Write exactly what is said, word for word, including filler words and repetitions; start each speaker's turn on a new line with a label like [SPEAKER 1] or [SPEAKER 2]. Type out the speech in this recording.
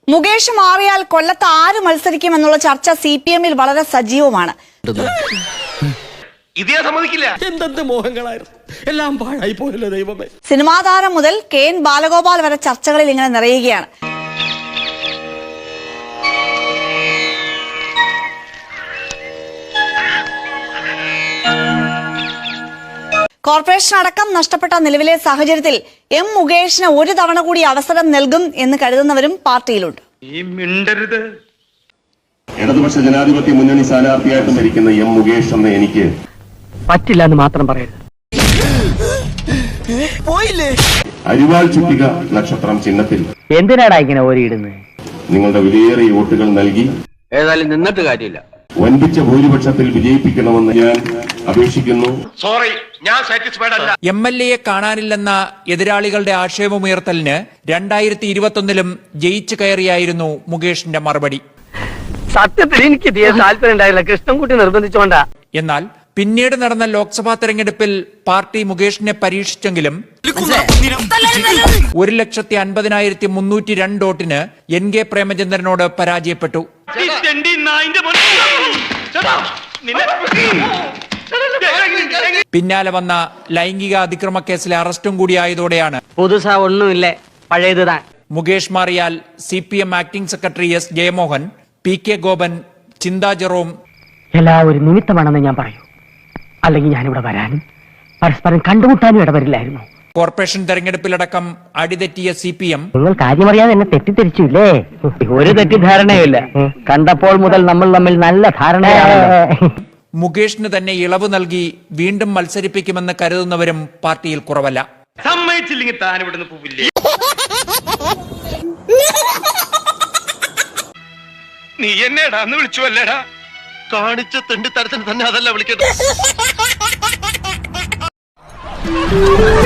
[SPEAKER 1] മുകേഷ് മാറിയാൽ കൊല്ലത്ത് ആര് മത്സരിക്കുമെന്നുള്ള ചർച്ച സി പി എമ്മിൽ വളരെ സജീവമാണ്. സിനിമാ താരം മുതൽ കെ എൻ ബാലഗോപാൽ വരെ ചർച്ചകളിൽ ഇങ്ങനെ നിറയുകയാണ്. കോർപ്പറേഷൻ അടക്കം നഷ്ടപ്പെട്ട നിലവിലെ സാഹചര്യത്തിൽ എം മുകേഷിന് ഒരു തവണ കൂടി അവസരം നൽകും എന്ന് കരുതുന്നവരും പാർട്ടിയിലുണ്ട്.
[SPEAKER 2] ഇടതുപക്ഷ ജനാധിപത്യ മുന്നണി സ്ഥാനാർത്ഥിയായിട്ട് ഭരിക്കുന്ന എം മുകേഷ് എന്ന് എനിക്ക്
[SPEAKER 3] പറ്റില്ല എന്ന് മാത്രം പറയരുത്.
[SPEAKER 2] അരിവാൾ ചുറ്റിക നക്ഷത്രം ചിഹ്നത്തിൽ
[SPEAKER 3] എന്തിനാടാ ഇങ്ങനെ ഓരിയിടുന്നത്?
[SPEAKER 2] നിങ്ങളുടെ വിലയേറിയ വോട്ടുകൾ നൽകി
[SPEAKER 4] ഏതായാലും നിന്നിട്ട് കാര്യമില്ല,
[SPEAKER 2] വൻപിച്ച ഭൂരിപക്ഷത്തിൽ വിജയിപ്പിക്കണമെന്ന് ഞാൻ അപേക്ഷിക്കുന്നു.
[SPEAKER 5] സോറി, ഞാൻ സാറ്റിസ്ഫൈഡ് അല്ല.
[SPEAKER 6] എം എൽ എയെ കാണാനില്ലെന്ന എതിരാളികളുടെ ആക്ഷേപമുയർത്തലിന് രണ്ടായിരത്തി ഇരുപത്തൊന്നിലും ജയിച്ചു കയറിയായിരുന്നു മുകേഷിന്റെ മറുപടി.
[SPEAKER 3] സത്യത്തിൽ എനിക്ക് തീരെ താല്പര്യം ഉണ്ടായില്ല, കൃഷ്ണൻകുട്ടി നിർബന്ധിച്ചോണ്ടാ.
[SPEAKER 6] എന്നാൽ പിന്നീട് നടന്ന ലോക്സഭാ തെരഞ്ഞെടുപ്പിൽ പാർട്ടി മുകേഷിനെ പരീക്ഷിച്ചെങ്കിലും ഒരു ലക്ഷത്തി അൻപതിനായിരത്തി മുന്നൂറ്റി രണ്ട് വോട്ടിന് എൻ കെ പ്രേമചന്ദ്രനോട് പരാജയപ്പെട്ടു. പിന്നാലെ വന്ന ലൈംഗിക അതിക്രമ കേസിലെ അറസ്റ്റും കൂടിയായതോടെയാണ്
[SPEAKER 3] പുതുസാ ഒന്നുമില്ലേ, പഴയതുതാ.
[SPEAKER 6] മുകേഷ് മാറിയാൽ C P M acting secretary S Jayamohan, P K Gopan, Chintha Jerome
[SPEAKER 3] എല്ലാം ഒരു നിമിത്തമാണെന്ന് ഞാൻ പറയൂ. അല്ലെങ്കിൽ ഞാനിവിടെ വരാനും പരസ്പരം കണ്ടുമുട്ടാനും ഇടവരില്ലായിരുന്നു.
[SPEAKER 6] കോർപ്പറേഷൻ തെരഞ്ഞെടുപ്പിലടക്കം അടിതെറ്റിയ സി പി എം
[SPEAKER 3] നിങ്ങൾ കാര്യമറിയാതെ എന്നെ തെറ്റിദ്ധരിച്ചില്ലേ? ഒരു തെറ്റിദ്ധാരണയില്ല, കണ്ടപ്പോൾ മുതൽ നമ്മൾ തമ്മിൽ നല്ല ധാരണയാണ്.
[SPEAKER 6] മുകേഷിന് തന്നെ ഇളവ് നൽകി വീണ്ടും മത്സരിപ്പിക്കുമെന്ന് കരുതുന്നവരും പാർട്ടിയിൽ കുറവല്ല.
[SPEAKER 5] സമ്മതിച്ചില്ലെങ്കിൽ താൻ ഇവിടുന്ന് പോവില്ലേ? നീ എന്നെടാ എന്ന് വിളിച്ചു അല്ലേടാ?
[SPEAKER 4] കാണിച്ച തെണ്ടി തരത്തിന് തന്നെ അതല്ല വിളിക്കട്ടെ.